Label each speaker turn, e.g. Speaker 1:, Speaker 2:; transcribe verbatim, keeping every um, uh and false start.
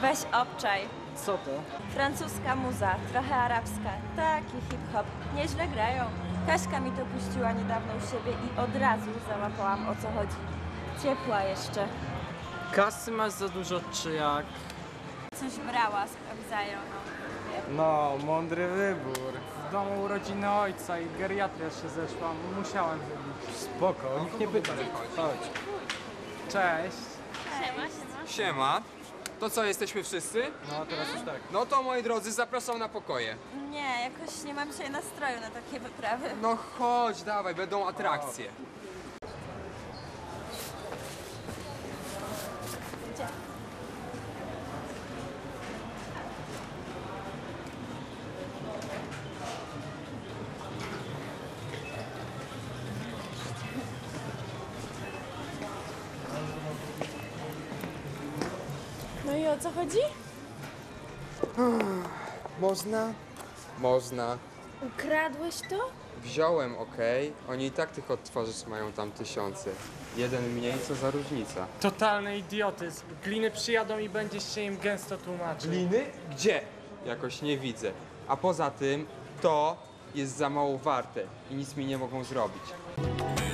Speaker 1: Weź obczaj.
Speaker 2: Co to?
Speaker 1: Francuska muza, trochę arabska. Taki hip-hop. Nieźle grają. Kaśka mi to puściła niedawno u siebie i od razu załapałam, o co chodzi. Ciepła jeszcze.
Speaker 2: Kasy masz za dużo, czy jak?
Speaker 1: Coś brała, sprawdzają, no.
Speaker 3: No, mądry wybór. W domu urodziny ojca i geriatria się zeszła. Musiałem zrobić. Spoko, nikt nie pyta. Chodź. Cześć.
Speaker 4: Siema. To co, jesteśmy wszyscy?
Speaker 3: No, teraz już tak.
Speaker 4: No to moi drodzy, zapraszam na pokoje.
Speaker 1: Nie, jakoś nie mam dzisiaj nastroju na takie wyprawy.
Speaker 4: No chodź, dawaj, będą atrakcje.
Speaker 1: Gdzie? No i o co chodzi?
Speaker 4: Można? Można.
Speaker 1: Ukradłeś to?
Speaker 4: Wziąłem, okej. Oni i tak tych odtwarzaczy mają tam tysiące. Jeden mniej, co za różnica.
Speaker 3: Totalny idiotyzm. Gliny przyjadą i będziesz się im gęsto tłumaczył.
Speaker 4: Gliny? Gdzie? Jakoś nie widzę. A poza tym, to jest za mało warte i nic mi nie mogą zrobić.